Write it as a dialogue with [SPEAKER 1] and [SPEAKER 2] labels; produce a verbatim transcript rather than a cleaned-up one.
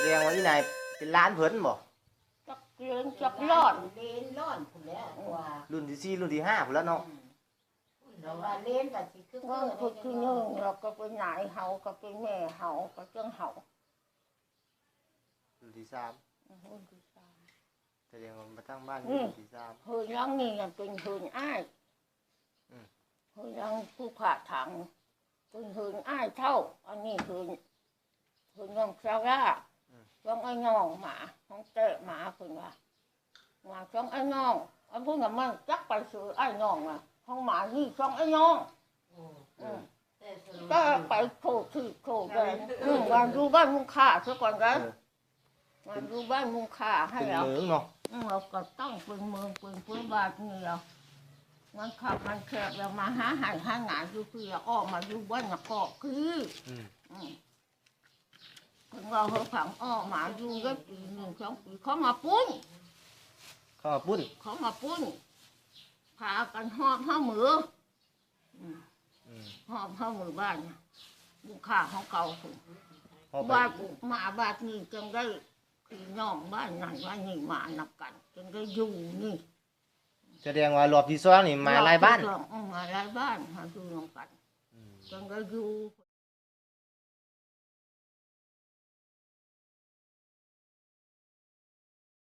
[SPEAKER 1] ดงว่าอีนายเป็นร้านเพิ่นบ่
[SPEAKER 2] จักเลี้ยงจักรอด
[SPEAKER 3] เลนร้อนพุ่นแล้วกว่า
[SPEAKER 1] รุ่นที่สี่รุ่นที่ห้าพุ่นแล้วเนาะ
[SPEAKER 3] เราว่าเลนก็สิคือ
[SPEAKER 2] เมื่อคือที่หนึ่งเราก็เป็นนายเฮาก็เป็นแม่เฮาก็จังเฮา
[SPEAKER 1] รุ่นที่สาม
[SPEAKER 2] รุ่นที่สาม
[SPEAKER 1] แสดงว่ามาตั้งบ้านอยู่รุ่นที่สาม
[SPEAKER 2] เฮือนหลังนี่น่ะเป็นเฮือนอ้ายเฮือนหลังผู้ขาถังเป็นเฮือนอ้ายเท่าอันนี้เฮือนเฮือนน้องซาร่าช่องไอ้น้องหมาห้องเตะหมาเพิ่นว่าหมาช่องไอ้น้องอันเพิ่นก็มันจักไปซื้อไอ้น้องอ่ะห้องหมานี่ช่องไอ้น้องก็ไปโคที่โคกันอืมวันดูบ้านมุงค่าซะก่อนกันวันดูบ้านมุงค่าให้
[SPEAKER 1] เป็น
[SPEAKER 2] เรา
[SPEAKER 1] เหมืองเนาะ
[SPEAKER 2] เราก็ต้องเป็นเมืองเป็นพื้นบ้านนี่เรามันขับมันแคบเรามาหาหายหาหงายอยู่คือออกมาอยู่บ้านเกาะคือถึงเราเขาผังออกมาอยู่ก็ปีหนึ่งสองปีเขามาปุ้น
[SPEAKER 1] เข้ามาปุ้น
[SPEAKER 2] เขามาปุ้นพากันหอบห้ามือหอบห้ามือบ้านบุคคาของเก่าถึง
[SPEAKER 1] เข้าไป
[SPEAKER 2] บ้านมาบ้านนี้จึงได้พี่น้องบ้านนั้นบ้านนี้มานับกันจึงได้อยู่นี่
[SPEAKER 1] แสดงว่ารอบที่สองนี่มาหลายบ้าน
[SPEAKER 2] มาหลายบ้านหาดูลงกันจึงได้อยู่